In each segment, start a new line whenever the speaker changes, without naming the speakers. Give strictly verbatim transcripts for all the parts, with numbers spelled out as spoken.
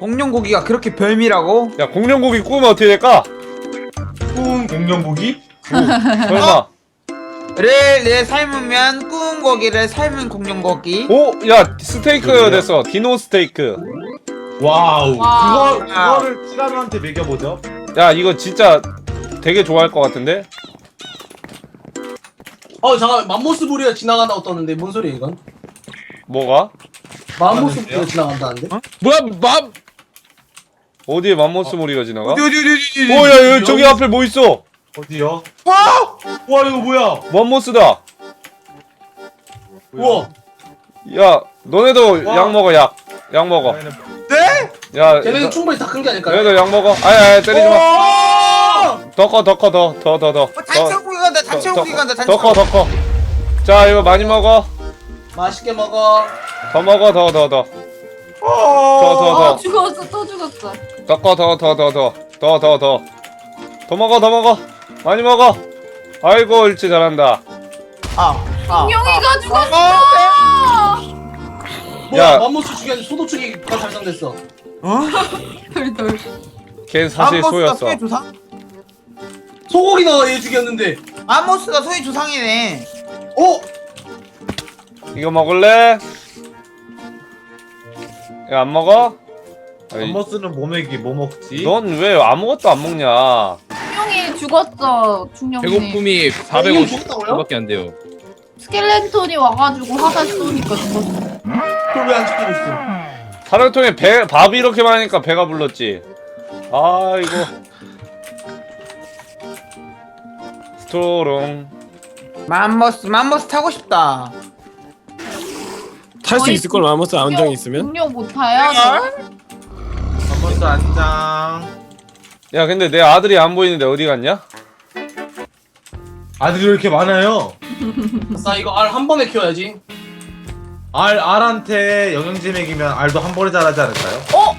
공룡고기가 그렇게 별미라고?
야 공룡고기 구우면 어떻게 될까?
구운 공룡고기?
설마.
를, 를 삶으면 구운 고기를 삶은 공룡고기.
오! 야 스테이크 됐어. 디노 스테이크.
와우.
와.
그거 그거를 티라노한테 먹여보죠.
야 이거 진짜 되게 좋아할 것 같은데?
어 잠깐 맘모스 부리가 지나간다고 떴는데 뭔 소리야 이건?
뭐가?
맘모스 부리가 지나간다는데?
뭐야 맘
어디에 맘모스 모리가 지나가?
어디, 어디, 어디, 어디, 어디.
오야 여기 저기 앞에 뭐 있어?
어디요? 와! 와 이거 뭐야?
맘모스다.
우와.
야 너네도
와.
약 먹어 약. 약 먹어.
네?
야
걔네는
너-
충분히 다 큰 게 아닐까요?
너네도 약 먹어. 아야 아야 때리지 마.
어!
더 커 더 커 더 더 더 더.
어, 단체고기 간다, 단체고기 간다,
더 커
단체고기.
더 커. 자 이거 많이 먹어.
맛있게 먹어.
더 먹어 더 더 더. 더 더
아
더.
죽었어 또 죽었어.
더 커 더 더 더 더. 더 더 더. 더 먹어 더 먹어. 많이 먹어. 아이고 옳지 잘한다.
아, 아.
공룡이가 죽었어.
뭐야
야.
맘모스 죽였는데 소도축이가 달성됐어.
어?
돌돌.
걘 사실
맘모스가
소였어.
소의 조상?
소고기 너가 얘 죽였는데.
맘모스가 소의 조상이네.
어?
이거 먹을래? 이거 안 먹어?
맘모스는 뭐 먹이 뭐 먹지?
넌 왜 아무것도 안 먹냐?
공룡이 죽었어. 중령님.
배고픔이
공룡
사백오십
죽었다고요?
초밖에 안 돼요.
스켈레톤이 와가지고 화살 쏘니까 죽었어.
그걸 왜 안 지키고 있어?
사료통에 배 밥이 이렇게 많으니까 배가 불렀지. 아이고. 스토롱.
맘모스, 맘모스 타고 싶다.
탈 수
거의
있을 걸 맘모스 안정이 있으면?
공룡 못 타요?
맘모스 안장.
야 근데 내 아들이 안 보이는데 어디 갔냐?
아들이 왜 이렇게 많아요?
나 이거 알 한 번에 키워야지.
알 알한테 영양제 먹이면 알도 한 번에 자라지 않을까요?
어?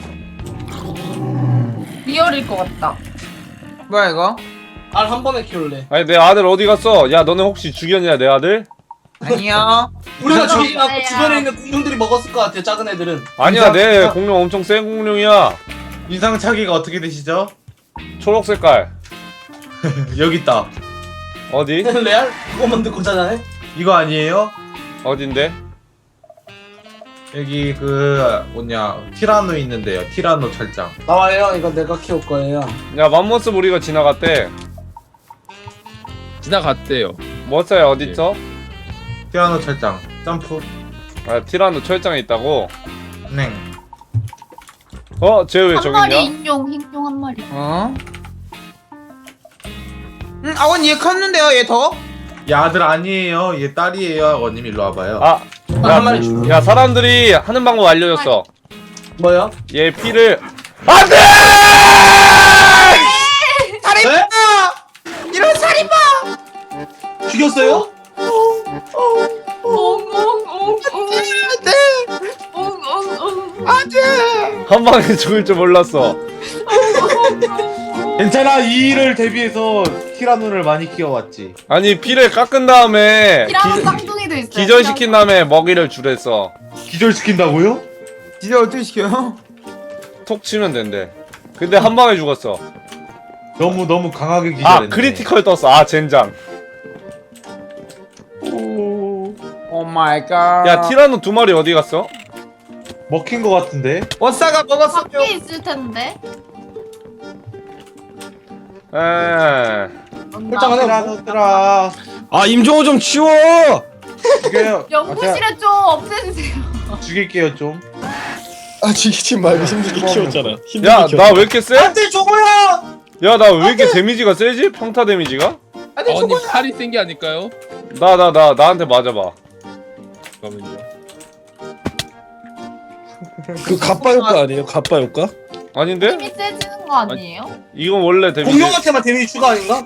리얼일 것 같다.
뭐야, 이거?
알 한 번에 키울래.
아니 내 아들 어디 갔어? 야 너네 혹시 죽였냐 내 아들?
아니요.
우리가 죽이지 않고
뭐야.
주변에 있는 공룡들이 먹었을 것 같아. 작은 애들은.
아니야 내
인상-
공룡 엄청 센 공룡이야.
인상 차기가 어떻게 되시죠?
초록 색깔.
여기 있다.
어디?
레알? 그거만 듣고 자잖아.
이거 아니에요?
어딘데?
여기 그 뭐냐 티라노 있는데요. 티라노 철장.
나와요. 이거 내가 키울 거예요.
야 맘모스 무리가 지나갔대.
지나갔대요.
머싸야 어딨어?
티라노 철장. 점프.
아 티라노 철장에 있다고?
네.
어? 쟤 왜
한
저기
마리
있냐?
인용, 흰용 한 마리.
어? 응, 아원 얘 컸는데요, 얘 더?
얘 아들 아니에요. 얘 딸이에요. 아버님 일로 와봐요.
아!
한 마리 줄.
야 사람들이 하는 방법 알려줬어.
뭐야?
얘 피를 안돼!
살인마! 이런 살인마!
죽였어요?
엉엉엉엉.
네!
엉엉엉.
안돼!
한 방에 죽을 줄 몰랐어.
괜찮아. 이 일을 대비해서 티라노를 많이 키워왔지.
아니 피를 깎은 다음에
티라노
기,
쌍둥이도 있어요.
기절시킨 다음에 먹이를 주랬어.
기절시킨다고요?
진짜 어떻게 시켜요?
톡 치면 된대. 근데 한 방에 죽었어.
너무 너무 강하게
아
기절했네.
크리티컬 떴어. 아 젠장.
오 마이 갓.
야 티라노 두 마리 어디 갔어?
먹힌 거 같은데?
워싸가 먹었어요.
밖에 있을 텐데.
에.
홀짝 하나.
티라노들아.
아 임종호 좀 치워!
죽여요.
연구실에 좀 없애주세요.
아, 제가 죽일게요 좀.
아 죽이지 말고 힘들게 키웠잖아. 힘들게
야
키웠잖아.
나 왜 이렇게 세?
안돼 저거야.
야 나 왜 이렇게 데미지가 세지? 평타 데미지가?
안돼,
아버님
저거야!
살이 센 게 아닐까요?
나 나 나 나한테 맞아봐.
잠깐만요.
그 갑바 효과 아니에요? 갑바 효과?
아닌데?
힘이 세지는 거 아니에요?
이건 원래 데미지.
공룡한테만 데미지 추가 아닌가?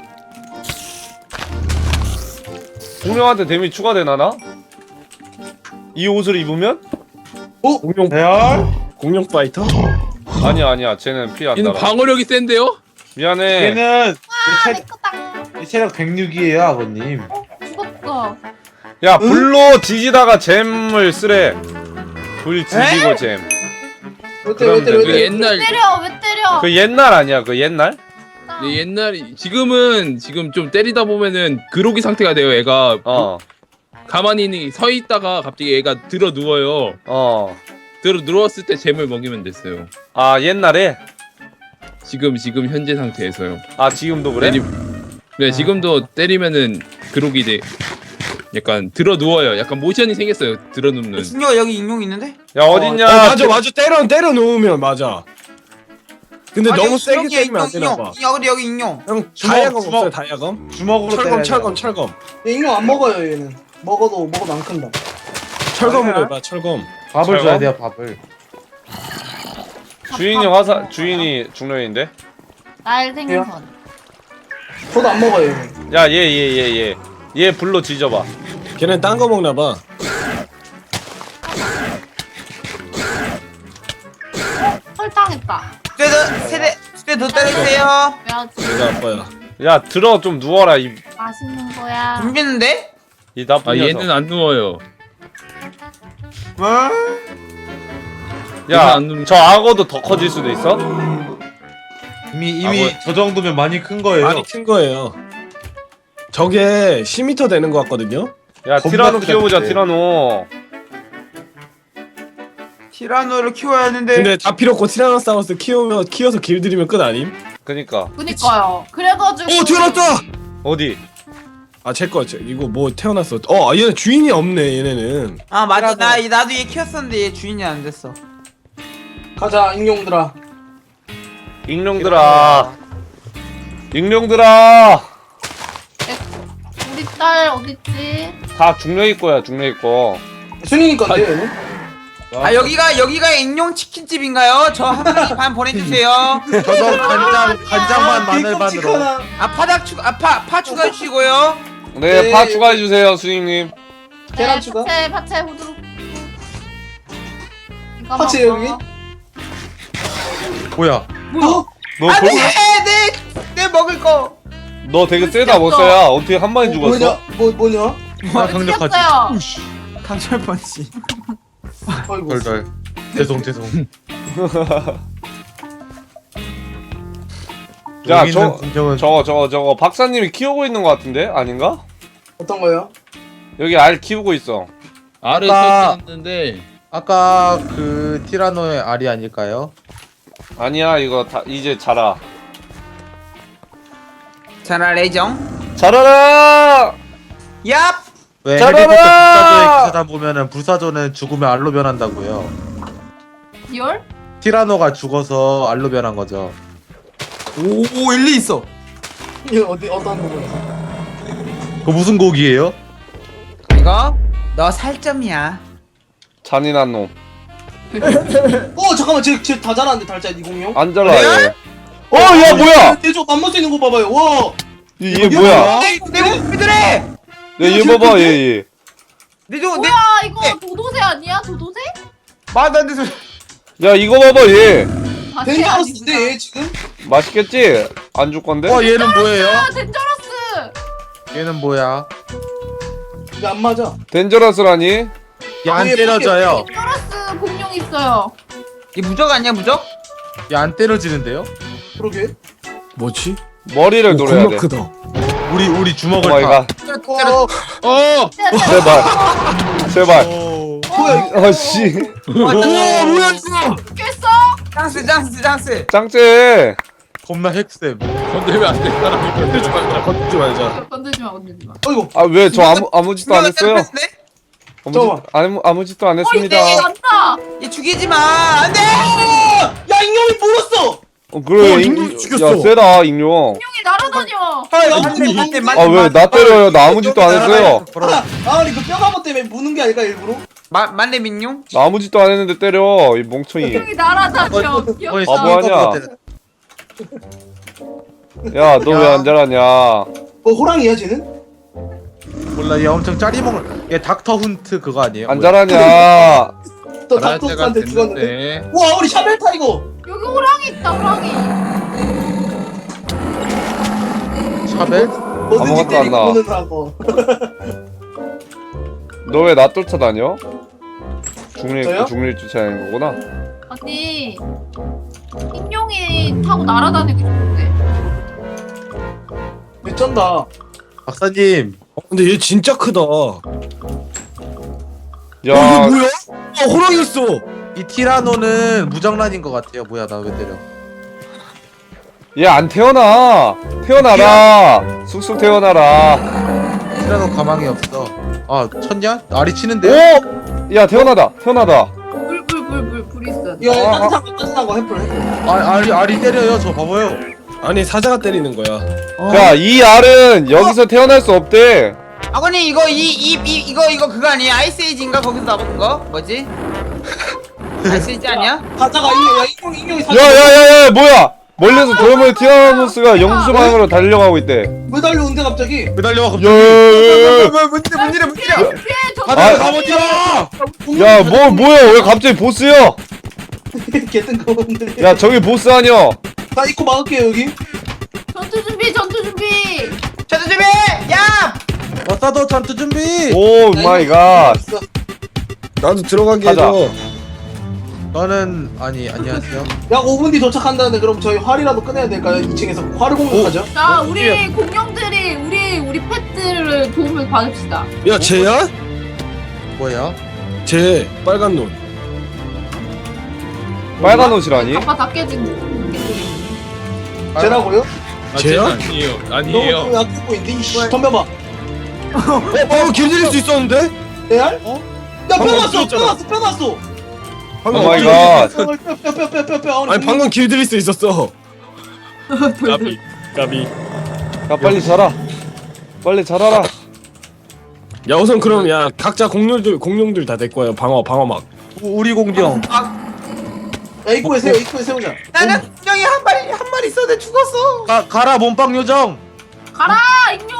공룡한테 데미지 추가되나나? 이 옷을 입으면?
공룡
대열.
공룡 파이터?
아니야 아니야 쟤는 피 안
얘는
달아.
방어력이 센데요?
미안해.
얘는
아,
얘
내
체,
거다.
얘 체력 백육이에요 아버님.
죽었어.
야 불로 뒤지다가 잼을 쓰래. 불 뒤지고
에?
잼.
왜 때려 왜 때려 왜
그
때려.
옛날
때려 왜 때려?
그 옛날 아니야 그 옛날?
그 옛날 지금은 지금 좀 때리다 보면은 그로기 상태가 돼요. 애가
어
가만히 서 있다가 갑자기 애가 들어 누워요.
어.
들어 누웠을 때 잼을 먹이면 됐어요.
아 옛날에?
지금 지금 현재 상태에서요.
아 지금도 그래?
때리, 네 지금도 때리면은 그로기 돼. 약간 들어 누워요. 약간 모션이 생겼어요. 들어 눕는.
준혁 여기 인용 있는데?
야 어딨냐?
어, 맞아 맞아 때려 때려 놓으면 맞아. 근데
아니,
너무 세게
준혁이야,
때리면 안
인용,
되나 봐.
인용. 여기 여기 인용.
형
주먹,
다이아검
주먹.
없어요 다이아검?
주먹으로
철검
때려야
철검
돼.
철검
얘 인형 안 먹어요 얘는. 먹어도 먹어도 안 큰다.
철검으로 해봐 철검.
밥을
철검?
줘야 돼요 밥을.
주인이 화사 주인이 중년인데?
날 생선.
저도 안 먹어요 얘는.
야 얘 얘 얘 얘 얘 불로 뒤져봐.
걔는 딴 거 먹나 봐.
설탕했다.
세대 세대 세대 더 때리세요.
왜하지?
내가 아빠야.
야 들어 좀 누워라 이,
맛있는 거야.
덤비는데?
이 나쁜
아
녀석.
얘는 안 누워요.
뭐?
얘는
야
안 누워.
저 악어도 더 커질 수도 있어?
이미 이미 저 정도면 많이 큰 거예요.
많이 큰 거예요. 저게 십 미터 되는 거 같거든요.
야
겁나
티라노
크다,
키워보자
그때.
티라노.
티라노를 키워야 하는데.
근데 다 필요 없고 티라노사우루스 키우면 키워서 길들이면 끝 아님?
그니까
그니까요. 그래가지고.
오 태어났다.
어디?
아 제 거 이거 뭐 태어났어. 어 얘는 주인이 없네 얘네는.
아 맞아 나 나도 얘 키웠었는데 얘 주인이 안 됐어.
가자 인형들아.
익룡들아 익룡들아
우리 딸 어딨지?
다 중력이 거야 중력이 거.
순이니 건데 얘는.
아 여기가 여기가 인용 치킨집인가요? 저 한 마리 반 보내주세요.
저도 간장 간장만
아,
마늘반으로.
삐걱치카나.
아 파닭 추 아파 파 추가해 주시고요.
네,
네.
파 추가해주세요 수익님.
계란
네,
추가?
파채 파채 후두룩. 이거
파채
먹어.
여기?
뭐야?
어?
너,
안돼
도,
내내 먹을 거.
너 되게 세다 못써야 어떻게 한 방에 죽었어?
뭐냐? 뭐 뭐냐?
아 강력하지.
생겼어요.
강철 펀치.
아이고.
덜덜. 죄송 죄송.
야,
여기 있는
저-
공정은
저거 저거 저거 박사님이 키우고 있는 것 같은데? 아닌가?
어떤 거요?
여기 알 키우고 있어.
알을
아까-
설치했는데
아까 그 티라노의 알이 아닐까요?
아니야 이거 다 이제 자라.
자라 레정.
자라라!
얍.
왜
짜라라!
해리포터 불사조의 기사단 보면은 불사조는 죽으면 알로 변한다고요.
리얼?
티라노가 죽어서 알로 변한 거죠.
오 일리 있어.
이거 어디 어떤 부분에서?
그 무슨 곡이에요?
이거 너 살점이야.
잔인한 놈.
어 잠깐만 쟤쟤다 자랐는데 달짜 이공룡.
안 자라
레알?
얘. 어, 야 뭐야?
대조 맘먹 있는 거 봐봐요. 와.
얘, 얘 뭐야?
내 목비들해.
야, 얘 봐봐 얘 얘.
내줘 내.
뭐야 이거 도도새 아니야? 도도새?
말도 안 돼서.
야 이거 봐봐 얘.
아,
덴저러스인데
아니구나.
얘 지금?
맛있겠지? 안 줄 건데?
어 얘는 뭐예요?
아 덴저러스.
얘는 뭐야?
이게 안 맞아.
덴저러스라니?
얘 안
얘
때려져요.
덴저러스 공룡 있어요.
이 무적 아니야 무적?
얘 안 때려지는데요?
그러게.
뭐지?
머리를
오,
노려야
겁나
돼.
크다.
우리 우리 주먹을
오마이갓.
어.
어
제발. 제발.
오.
뭐야?
어 씨.
와 뭐야 이거?
깼어?
짱스 짱스 짱스.
짱째.
겁나 핵쌤.
건들면 안 돼. 사람이 건들지 말자.
걷지 말자.
건들지 마 건들지 마.
어이구.
아 왜 저 아무 아무 짓도 안 했어요? 아무 짓
잠깐만.
아무 아무 짓도 안
어
했습니다.
이게 난다.
얘 죽이지 마. 안돼.
야 인형이 물었어.
어 그래.
어,
잉-
익룡 죽였어.
야 세다 익룡.
공룡이 날아다녀.
맞네 맞네 맞네.
아 왜 나 때려요? 나 아무 짓도 안 했어요.
아 아니 그 뼈가모 때문에 무는 게 아닐까 일부러?
마 맞네 민용.
나 아무 짓도 안 했는데 때려 이 멍청이.
공룡이 날아다녀.
거의
귀엽다.
아, 뭐 하냐? 야 너 왜 안 자라냐?
뭐 호랑이야 쟤는?
몰라 얘 엄청 짜리먹을. 얘 닥터 훈트 그거 아니에요?
안
뭐야?
자라냐?
또
잘할 때가
닥터스한테 죽었는데.
됐는데.
와 우리 샤벨 타이거.
여기 호랑이 있다 호랑이.
샤벨?
뭐든지
아무것도 안
때리고
나와.
보는 하고.
너 왜 나 쫓아다녀? 중립
저요?
중립 주차하는 거구나.
아니 인룡이 타고 날아다니기 좋은데.
미쳤다.
박사님
어, 근데 얘 진짜 크다. 어
야,
이게 뭐야? 아 호랑이 있어.
이 티라노는 무정란인 것 같아요. 뭐야 나 왜 때려?
얘 안 태어나. 태어나라. 쑥쑥 태어나라.
티라노 가망이 없어. 아 쳤냐? 알이 치는데?
오! 야, 태어나다. 태어나다.
불불불불 불 있어.
이거
아,
따뜻한 거 따뜻한 거 해플 해플.
아 알이 알이 때려요. 저 봐봐요.
아니 사자가 때리는 거야.
자, 이 알은 여기서 태어날 수 없대.
아버님 이거 이 이 이 이거 이거 그거 아니야? 아이스에이지인가 거기서 나온 거? 뭐지? 아이스에이지 아니야?
사자가 인형 야 인형 인형이 사자.
야, 야, 야, 야, 뭐야? 멀리서 도레모의 티라노스가 영수 방향으로 달려가고 있대.
왜 달려온대 갑자기?
왜 달려와
야,
갑자기?
야, 야, 야.
뭔 일이야 뭔 일이야?
피해 저.
가자
아,
가못 뛰어!
야, 뭐, 뭐야? 왜 갑자기 보스야?
개뜬금없네.
야, 저기 보스 아니야?
나 입고 막을게요 여기.
전투 준비 전투 준비.
저도 준비! 야!
왔다도 전투 준비!
오 마이 갓.
나도 들어가게
가자.
해줘.
저는 아니 안녕하세요.
약 오 분 뒤 도착한다는데 그럼 저희 활이라도 꺼내야 될까요? 이 층에서 활을 공격하죠.
자
어,
우리 공룡들이 우리 우리 펫들을 도움을 받읍시다.
야 쟤야?
뭐야?
쟤 빨간 눈.
빨간 옷이라니?
가빠 다 깨진 개들이.
쟤라고요?
아,
쟤야?
쟤는 아니에요.
너무
아니에요.
좀 약해 보이는데 이씨 덤벼봐.
어 방금 길들일 수 있었는데?
레알?
어?
야
방금
뼈났어
없어졌잖아.
뼈났어 뼈났어.
방금
오 마이
길들일
갓.
수 있었어.
뼈뼈뼈뼈뼈뼈.
아니 방금 길들일 수 있었어. 까비 까비.
야, 빨리 자라. 빨리 자라라.
야 우선 그럼 야 각자 공룡들 공룡들 다 될 거야. 방어 방어막.
우리 공룡.
야 입구에 세워 입구에 세우자.
나는 분명히 한 마리 한 마리 있었는데 죽었어.
가 가라 몸빵 요정.
가라 인룡.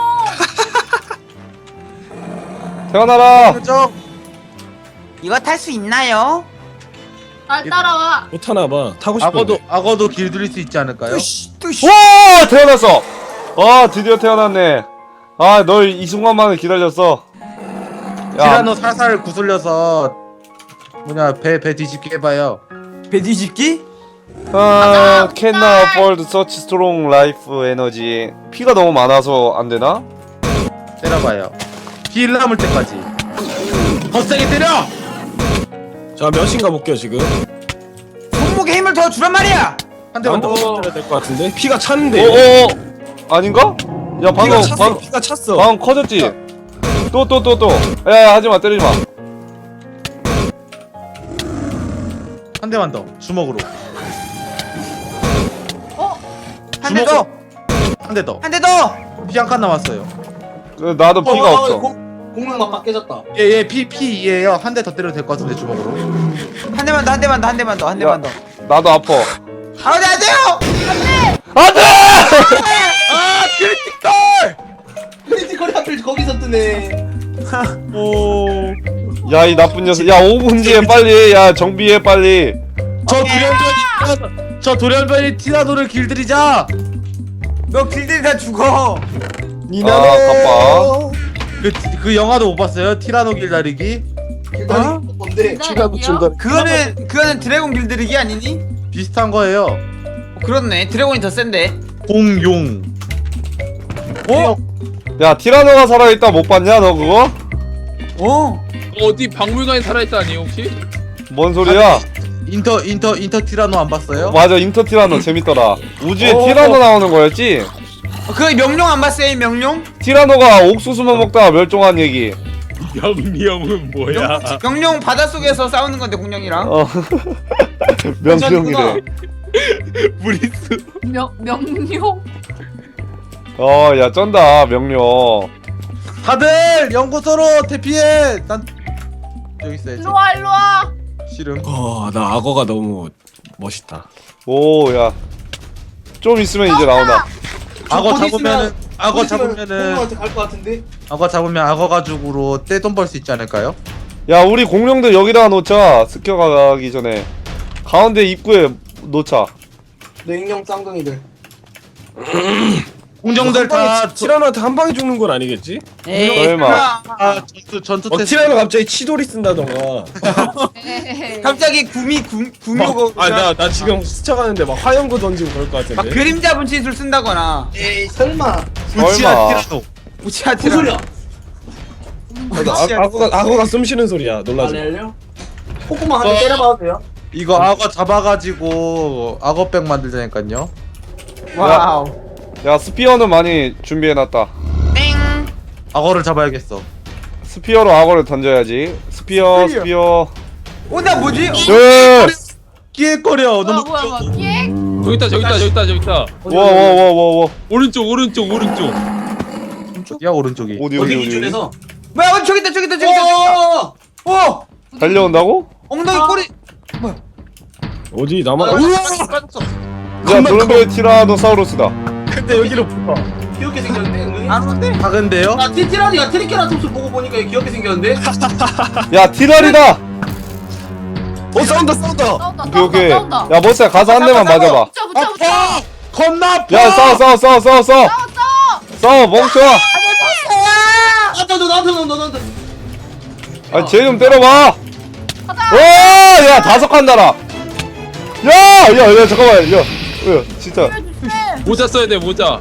태어나라.
요정.
이거 탈 수 있나요?
날 따라와.
못 타나 봐. 타고 싶어.
악어도 악어도 길들일 수 있지 않을까요?
와, 태어났어. 아, 드디어 태어났네. 아, 널 이 순간만을 기다렸어. 야,
티라노 살살 구슬려서 뭐냐 배 배 뒤집게 해봐요.
배 뒤집기?
아, can not afford such strong life energy. 피가 너무 많아서 안 되나?
때려봐요. 피 남을 때까지. 거세게 때려.
자 몇인가 볼게요 지금.
손목에 힘을 더 주란 말이야.
한 대만
나도
더.
때려야 될 것 같은데. 피가 찼는데.
어, 어, 아닌가? 야, 방금
피가 찼어.
방,
피가 찼어.
방금 커졌지? 또, 또, 또, 또. 야, 야, 하지 마, 때리지 마.
한 대만 더. 주먹으로.
한 대 더.
한 대 더.
한 대 더.
피 한 칸 남았어요.
그, 나도 피가
어,
없어.
공룡 막 깨졌다.
얘얘 피 피 이에요. 한 대 더 때려도 될 것 같은데 주먹으로.
한 대만 더 한 대만 더 한 대만 더 한 대만 더.
나도 아파.
아, 네, 안 돼요.
안 돼!
아 크리티컬.
크리티컬이 하필 거기서 뜨네.
오.
야, 이 나쁜 녀석. 야, 오 분 뒤에 빨리. 야, 정비해, 빨리.
저 돌연변이 저 돌연변이 티라노를 길들이자.
너 길들이 다 죽어.
아, 바빠.
그, 그 영화도 못 봤어요? 티라노 길다리기?
길다리
어?
뭔데?
피가 붙인다.
그거는 그거는 드래곤 길들이기 아니니?
비슷한 거예요.
어, 그렇네. 드래곤이 더 센데.
공용.
어?
야, 티라노가 살아있다 못 봤냐, 너 그거?
어?
어디 박물관에 살아있다 아니에요 혹시?
뭔 소리야?
인터 인터 인터 티라노 안 봤어요?
맞아, 인터 티라노 재밌더라. 우주에
어.
티라노 나오는 거였지?
어, 그 명룡 안 봤어요? 이 명룡?
티라노가 옥수수만 먹다가 멸종한 얘기.
영영은 뭐야?
명룡 바닷속에서 싸우는 건데 공룡이랑.
어. 명령이래.
브리스.
명 명룡.
어, 야, 쩐다, 명령.
다들 연구소로 대피해. 난 여기 있어야지.
일로 와 일로 와.
싫음.
어나 악어가 너무 멋있다.
오, 야. 좀 있으면 이제 나온다.
악어
거기
잡으면은
있으면-
악어
거기 있으면
잡으면은
공룡한테 갈 것 같은데.
악어 잡으면 악어 가죽으로 떼돈 벌 수 있지 않을까요?
야, 우리 공룡들 여기다가 놓자. 습격하기 전에. 가운데 입구에 놓자.
냉령 쌍둥이들.
공정들 다
티라노한테 한 방에 죽는 건 아니겠지?
에이
설마.
아, 전투 전투
어
테스트.
티라노 갑자기 치돌이 쓴다던가.
갑자기 구미 구, 구미호고
아나 나 지금 스쳐가는데 막 화염구 던지고 그럴 것
막
같은데.
그림자 분신술 쓴다거나
에이 설마.
우치아 티라노.
우치아티라
무슨 소리야?
아, 악어가 악어가 숨 쉬는 소리야. 놀라지 마.
알려요? 콧구멍 한 대 때려봐도 돼요?
이거 악어 잡아가지고 악어백 만들자니까요.
와우
야 스피어는 많이 준비해놨다.
땡
악어를 잡아야겠어.
스피어로 악어를 던져야지. 스피어 스피어.
어, 나 뭐지?
네.
끼액거려.
뭐야
너무
뭐야 뭐야 예?
저기 있다 저기 있다 저기 있다 저기 있다.
와와와와와.
오른쪽 오른쪽 오른쪽.
야 오른쪽이.
어디 어디
어디
어디. 어디?
기준에서?
뭐야 어, 저기 있다 저기 있다 저기 있다
어!
어
달려온다고?
엉덩이 꼬리
어디 나만.
빠졌어.
야 노르베 티라노사우루스다.
근데 여기로 붙어.
귀엽게 생겼는데 은근히?
안 오는데?
작은데요?
아 티티라니가 트리케라톱스 보고 보니까 귀엽게 생겼는데?
야 티라리다.
어 싸운다 싸운다.
싸운다
오케이 오케이.
싸운다
야 머스야 가서 한 대만 맞아봐.
붙여 붙여 붙여
겁나 아파.
야 싸워 싸워 싸워 싸워 싸워. 싸워 멍청아.
나한테 너 나한테 너 나한테
아쟤 좀 때려봐.
가자
와, 야 다섯 칸 달아. 야, 야, 야 잠깐만, 야, 야 진짜.
모자 써야 돼 모자.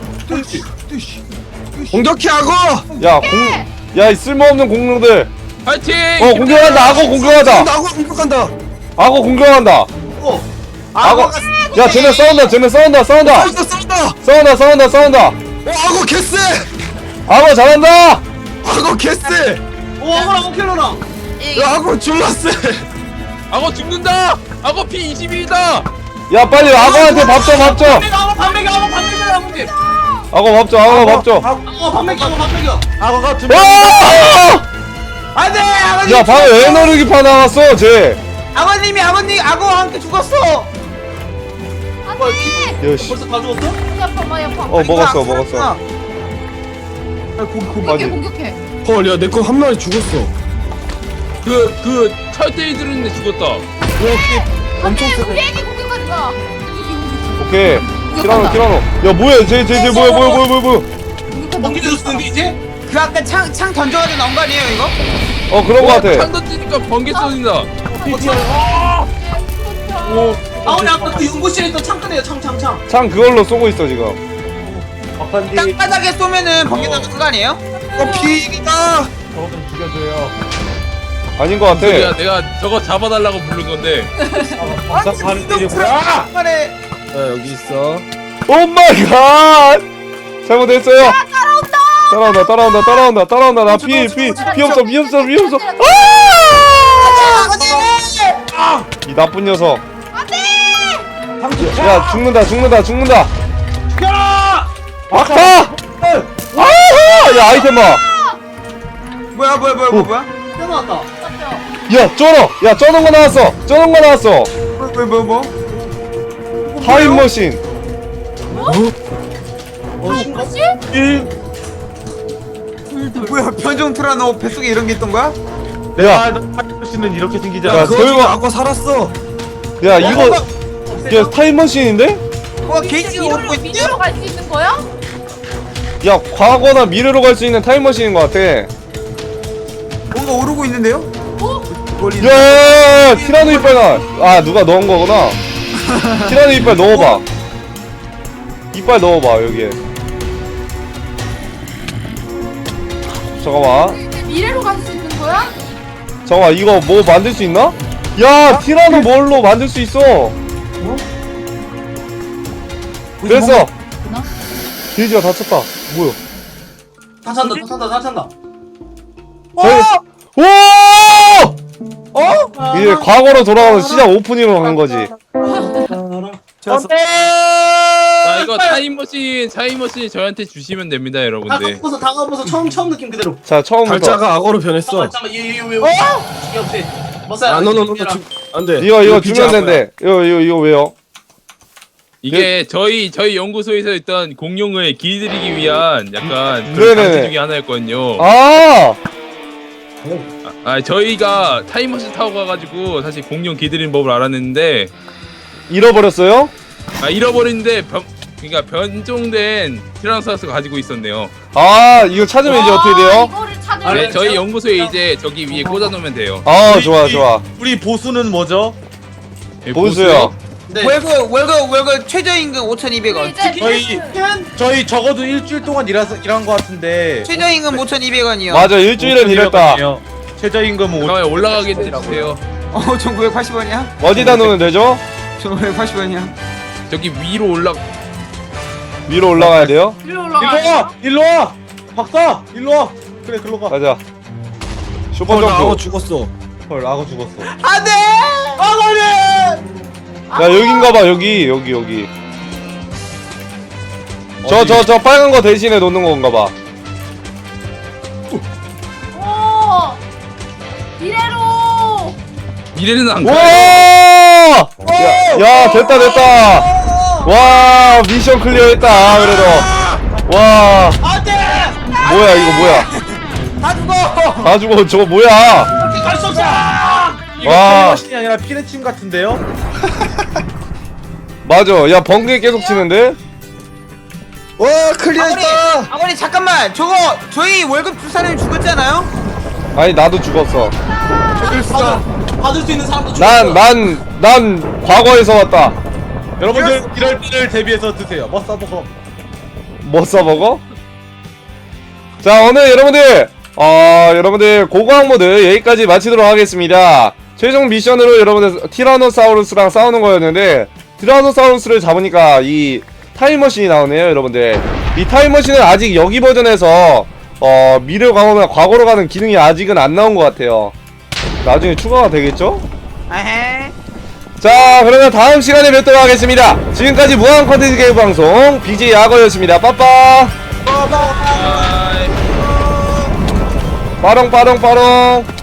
공격해 악어.
야 공, 야 이 쓸모없는 공룡들.
파이팅.
어 공격한다. 악어 공격한다.
악어 공격한다.
악어 공격한다.
어
악어. 야 쟤네 싸운다. 쟤네 싸운다. 싸운다.
싸운다 싸운다.
싸운다. 싸운다. 싸운다.
어 악어 개쎄.
악어 잘한다.
악어 개쎄.
오 아무랑 오켈로랑
야 악어 졸라 쎄.
악어 죽는다. 악어 피 이십일이다.
야 빨리 악어한테 밥 줘, 밥 줘.
아무 반맥이 아무 반맥이 아무지
악어 밥 줘. 악어 밥 줘.
어 반맥이 아무 반맥이야
악어가 두
와!
아, 안돼 아버님
야 방금 에너르기파 나왔어, 쟤.
아버님이 아버님 악어와 함께 죽었어
안돼
야 씨.
벌써 다 죽었어?
많이 아파 많이 아파
어
이거
먹었어,
안
먹었어.
살았구나. 아, 고기 고기
공격해
맞아.
공격해
헐, 야 내 거 한 마리 죽었어.
그 그 철대이 들었는데 죽었다.
안돼 우리 애기 공격하지 마
오케이. 티라노, 티라노. 야 뭐야, 쟤, 쟤, 쟤 뭐야, 뭐야, 뭐야, 뭐야, 뭐야.
넘기게 줬는데 이제?
그 아까 창, 창 던져가지고 나온 거 아니에요 이거?
어 그런 거 같아.
창 던지니까 번개 쏘진다.
아 우리 아까 그 연구실에 있던 창 끄네요 창창창
창 그걸로 쏘고 있어 지금.
땅바닥에 쏘면은 번개 나는 거 아니에요?
어 피기다.
아닌 거 같아.
소리야 내가 저거 잡아달라고 부른 건데.
아니 아! 말에
자 여기 있어.
오 마이 갓! 잘못했어요. 따라온다. 따라온다. 따라온다. 따라온다. 따라온다. 나 피, 피, 피 없어. 피 없어. 피 없어. 아! 이 나쁜 녀석. 야, 죽는다. 죽는다. 죽는다. 아까! 아! 야, 아이템 봐.
뭐야 뭐야 뭐야 뭐야 뭐야?
떼어놨다
야, 쩔어. 야, 쩌는 거 나왔어. 쩌는 거 나왔어.
뭐 뭐 뭐? 뭐?
타임머신.
어 신고?
뭐야 변종 트라노 뱃속에 이런 게 있던 거야?
야,
씨는 이렇게 생기지
야,
않아.
그 와중에
설마-
악어 살았어.
야, 이거, 야, 타임머신인데?
와 게이지가 오르고
미래로
있는데?
미래로 갈 수 있는 거야?
야, 과거나 미래로 갈 수 있는 타임머신인 것 같아.
뭔가 오르고 있는데요?
어?
멀리
야, 티라노 이빨 나. 아, 누가 넣은 거구나. 티라노 이빨 넣어봐. 이빨 넣어봐 여기에. 잠깐만.
미래로 갈 수 있는 거야?
잠깐만 이거 뭐 만들 수 있나? 야, 티라노 뭘로 만들 수 있어? 됐어. 돼지가 다쳤다. 뭐야?
다 찬다 다 찬다 다 찬다
오! 어? 이제 과거로 돌아가서 시작 오프닝으로 간 거지.
자 이거 타임머신 타임머신 저한테 주시면 됩니다
다
여러분들.
가보서 다 가보서 처음 처음 느낌 그대로
자, 처음부터.
발자가 악어로 변했어.
잠깐만 잠깐만 얘얘왜 이게 없지 머싸야
아, 너너너 안돼.
이거 이거 주면 된대. 이거 이거 이거 왜요?
이게 저희 저희 연구소에서 있던 공룡을 길들이기 위한 약간
네네네.
그런 장치 중에 하나였거든요.
아!
아 저희가 타임머신 타고 가가지고 사실 공룡 길들이는 법을 알았는데
잃어버렸어요?
아 잃어버렸는데 병, 그러니까 변종된 티라노사우루스가 가지고 있었네요.
아 이거 찾으면 이제 어떻게 돼요?
이거를 찾을
네,
수
저희
있죠?
연구소에 이제 저기 위에 꽂아놓으면 돼요.
아
우리-
좋아
우리-
좋아.
우리 보수는 뭐죠?
네,
보수요.
네.
월급 월급 월급 최저임금 오천이백 원.
이제
저희 저희 적어도 일주일 동안 일해서 일한 것 같은데.
최저임금 오천이백 원이요.
맞아 일주일은 일했다.
최저임금은
그러면
오천
올라가게 해주세요.
어, 천구백팔십 원이야?
어디다 놓으면 되죠?
천구백팔십 원이야.
저기 위로 올라.
위로 올라가야 돼요?
일로
일로
올라가.
와! 일로 와! 박사! 일로 와! 그래 글로 가.
가자.
어,
슈퍼
나 악어
점프.
죽었어.
헐 악어 죽었어.
안돼!
야 여긴가봐 여기 여기 여기. 저 저 저 빨간 거 대신에 놓는 건가봐.
오. 이래로.
미래는 안
와!
가요.
야, 야 됐다 됐다. 와 미션 클리어했다 그래도. 와
안돼!
뭐야 이거 뭐야?
다 죽어!
다 죽어 저거 뭐야?
갈수 없어!
이거
와.
타임머신이 아니라 피레침 같은데요?
맞아. 야 번개 계속 치는데?
와
아버님,
클리어했다.
아버님 잠깐만 저거 저희 월급 주 사람이 죽었잖아요?
아니 나도 죽었어.
받을, 받을 수 있는 사람도
난 난 난 과거에서 왔다.
여러분들 이럴 때를 대비해서 드세요. 뭐 써먹어.
뭐 써먹어? 자 오늘 여러분들 어 여러분들 고고학 모드 여기까지 마치도록 하겠습니다. 최종 미션으로 여러분들 티라노사우루스랑 싸우는 거였는데 티라노사우루스를 잡으니까 이 타임머신이 나오네요 여러분들. 이 타임머신은 아직 여기 버전에서 어 미래 과거나 과거로 가는 기능이 아직은 안 나온 것 같아요. 나중에 추가가 되겠죠?
에헤.
자 그러면 다음 시간에 뵙도록 하겠습니다. 지금까지 무한 컨텐츠 개그 방송 비제이 야거였습니다. 빠빠. 빠롱 빠롱 빠롱.